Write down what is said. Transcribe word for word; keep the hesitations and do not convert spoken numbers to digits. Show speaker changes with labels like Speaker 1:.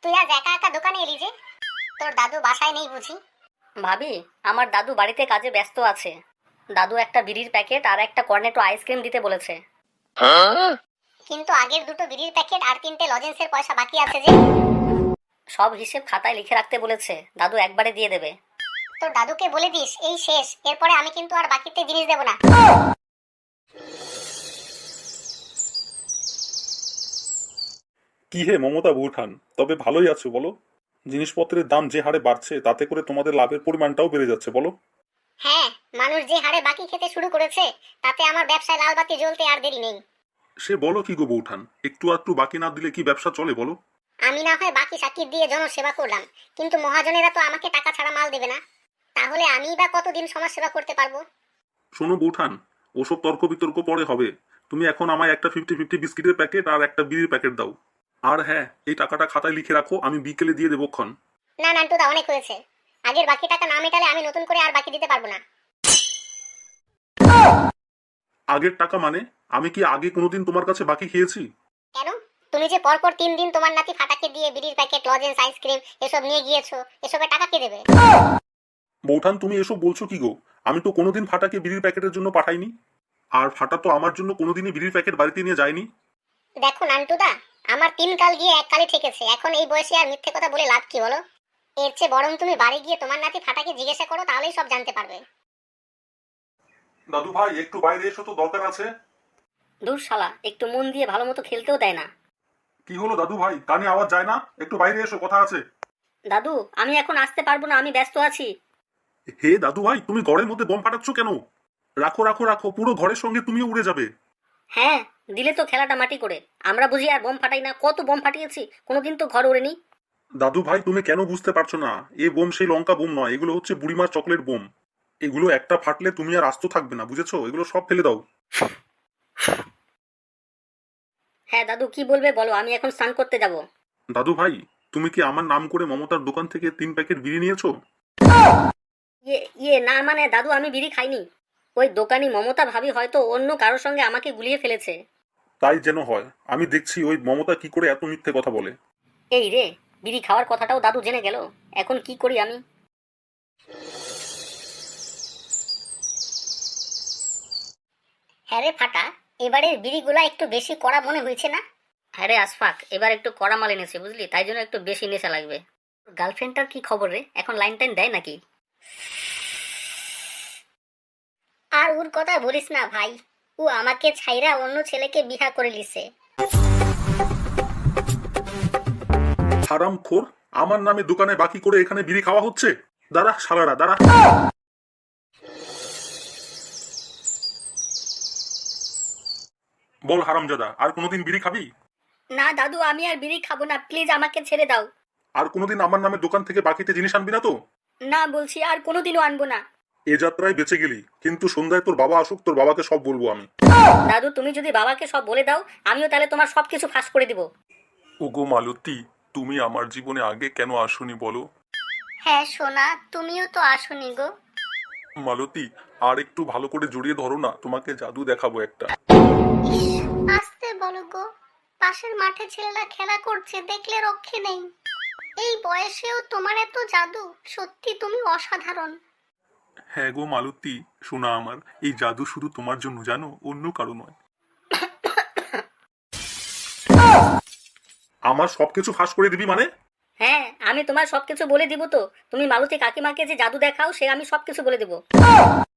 Speaker 1: তুই আজ একা একা দোকানে এলি যে? তোর দাদু বাসায় নেই বুঝি?
Speaker 2: ভাবি, আমার দাদু বাড়িতে কাজে ব্যস্ত আছে। দাদু একটা বিড়ির প্যাকেট আর একটা কর্নেটো আইসক্রিম দিতে বলেছে।
Speaker 1: কিন্তু আগের দুটো বিড়ির প্যাকেট আর তিনটে লজেন্সের পয়সা বাকি আছে যে?
Speaker 2: সব হিসেব খাতায় লিখে রাখতে বলেছে, দাদু একবারে দিয়ে দেবে।
Speaker 1: তোর দাদুকে বলে দিস এই শেষ, এরপরে আমি কিন্তু আর বাকিতে জিনিস দেব না।
Speaker 3: কি হে মমতা বৌঠান, তবে ভালোই আছো বলো? জিনিসপত্রের দাম যে হারে বাড়ছে তাতে করে তোমাদের লাভের পরিমাণটাও বেড়ে যাচ্ছে বলো?
Speaker 1: হ্যাঁ, মানুষ যে হারে বাকি খেতে শুরু করেছে তাতে আমার ব্যবসায় লাল বাতি জ্বলতে আর দেরি নেই।
Speaker 3: সে বলো কি গো বৌঠান, একটু আধটু বাকি না দিলে কি ব্যবসা চলে বলো?
Speaker 1: আমি না হয় বাকি সাকিব দিয়ে জনসেবা করলাম, কিন্তু মহাজনেরা তো আমাকে টাকা ছাড়া মাল দেবে না। তাহলে আমিই বা কতদিন সমাজ সেবা করতে পারবো?
Speaker 3: শোনো বৌঠান, ওসব তর্ক বিতর্ক পরে হবে। তুমি এখন আমায় একটা ফিফটি ফিফটি বিস্কিটের প্যাকেট আর একটা বিড়ির প্যাকেট দাও। আর হ্যাঁ, এই টাকাটা খাতায় লিখে রাখো, আমি বিকেলে দিয়ে দেবো ক্ষণ।
Speaker 1: না নান্টুদা, অনেক হয়েছে। আগের বাকি টাকা না মেটালে আমি নতুন করে আর বাকি দিতে পারবো না।
Speaker 3: আগের টাকা মানে? আমি কি আগে কোনোদিন তোমার কাছে বাকি খেয়েছি?
Speaker 1: কেন? তুমি যে পরপর তিন দিন তোমার নাতি ফাটাকে দিয়ে বিড়ির প্যাকেট, লজেন্স, আইসক্রিম এসব নিয়ে গিয়েছো, এসবের টাকা কে দেবে?
Speaker 3: বৌঠান তুমি এসব বলছো কি গো? আমি তো কোনোদিন ফাটাকে বিড়ির প্যাকেটের জন্য পাঠাইনি। আর ফাটা তো আমার জন্য কোনোদিনই বিড়ির প্যাকেট বাড়িতে নিয়ে যায়নি।
Speaker 1: দেখো নান্টুদা, আমার তিন কাল গিয়ে এক কালে ঠেকেছে। এখন এই বয়সে আর মিথ্যে কথা বলে লাভ কি বলো? এর চেয়ে বরং তুমি বাড়ি গিয়ে তোমার নাতি ফাটাকে জিজ্ঞাসা করো, তাহলেই সব জানতে পারবে।
Speaker 3: দাদু ভাই, একটু বাইরে এসো তো, দরকার আছে।
Speaker 2: দূর শালা, একটু মন দিয়ে ভালো মতো খেলতেও দেয় না।
Speaker 3: কি হলো দাদু ভাই, কানে আওয়াজ যায় না? একটু বাইরে এসো, কথা আছে।
Speaker 2: দাদু, আমি এখন আসতে পারবো না, আমি ব্যস্ত আছি।
Speaker 3: হে দাদু ভাই, তুমি ঘরের মধ্যে বোম ফাটাচ্ছ কেন? রাখো রাখো রাখো, পুরো ঘরের সঙ্গে তুমিও উড়ে যাবে।
Speaker 2: হ্যাঁ, দিলে তো খেলাটা মাটি করে। আমরা বুঝি আর বোম ফাটাই না? কত বোম ফাটিয়েছি, কোনোদিন তো ঘর ওড়েনি।
Speaker 3: দাদু ভাই, তুমি কেন বুঝতে পারছো না? এ বোম সেই লঙ্কা বোম নয়, এগুলো হচ্ছে বুড়িমার চকলেট বোম। এগুলো একটা ফাটলে তুমি আর আস্ত থাকবে না, বুঝেছো? এগুলো সব ফেলে দাও।
Speaker 2: হ্যাঁ দাদু, কি বলবে বলো, আমি এখন স্নান করতে যাব।
Speaker 3: দাদু ভাই, তুমি কি আমার নাম করে মমতার দোকান থেকে তিন প্যাকেট বিড়ি নিয়েছো?
Speaker 2: ইয়ে ইয়ে না মানে দাদু, আমি বিড়ি খাইনি। ওই দোকানি মমতা ভাবি হয়তো অন্য কারোর সঙ্গে আমাকে গুলিয়ে ফেলেছে।
Speaker 3: তাই যেন হয়। আমি দেখছি ওই মমতা কি করে এত মিথ্যে কথা বলে।
Speaker 2: এই রে, বিড়ি খাওয়ার কথাটাও দাদু জেনে গেল। এখন কি করি আমি?
Speaker 1: হ্যাঁ রে ফাটা, এবারে বিড়িগুলা একটু বেশি কড়া মনে হয়েছে না?
Speaker 2: হ্যাঁ রে আশফাক, এবার একটু কড়া মাল এনেছে বুঝলি, তাই জন্য একটু বেশি নেশা লাগবে। গার্লফ্রেন্ডটার কি খবর রে? এখন লাইন টাইন দেয় নাকি?
Speaker 1: আর ওর কথা বলিস না ভাই, ও আমাকে ছাইরা অন্য ছেলেকে বিহা করে লিছে।
Speaker 3: হারাম খোর, আমার নামে দোকানে বাকি করে এখানে বিড়ি খাওয়া হচ্ছে। দাঁড়া শালারা, দাঁড়া। বল হারামজাদা, আর কোনোদিন বিড়ি খাবি?
Speaker 2: না দাদু, আমি আর বিড়ি খাবো না, প্লিজ আমাকে ছেড়ে দাও।
Speaker 3: আর কোনোদিন আমার নামে দোকান থেকে বাকিতে জিনিস আনবি না তো?
Speaker 2: না বলছি, আর কোনোদিনও আনবো না।
Speaker 3: এ যাত্রায় বেঁচে গেলি, কিন্তু সন্ধ্যায় তোর বাবা আসুক, তোর বাবাকে সব বলবো আমি।
Speaker 2: দাদু, তুমি যদি বাবাকে সব বলে দাও, আমিও তাহলে তোমার সবকিছু ফাঁস করে দিব।
Speaker 3: ওগো মালতী, তুমি আমার জীবনে আগে কেন আসোনি বলো?
Speaker 1: হ্যাঁ সোনা, তুমিও তো আসোনি গো।
Speaker 3: মালতী, আর একটু ভালো করে জড়িয়ে ধরো না, তোমাকে জাদু দেখাবো একটা।
Speaker 1: আসতে বলো গো, পাশের মাঠে ছেলেরা খেলা করছে, দেখলে রক্ষে নেই। এই বয়সেও তোমার এত জাদু, সত্যি তুমি অসাধারণ।
Speaker 3: হ্যাঁ গো মালতী, শোনা আমার, এই জাদু শুধু তোমার জন্য, জানো, অন্য কারো নয়। আমার সবকিছু ফাঁস করে দিবি মানে?
Speaker 2: হ্যাঁ, আমি তোমার সবকিছু বলে দিব তো। তুমি মালতী কাকিমাকে যে জাদু দেখাও, সে আমি সবকিছু বলে দিব।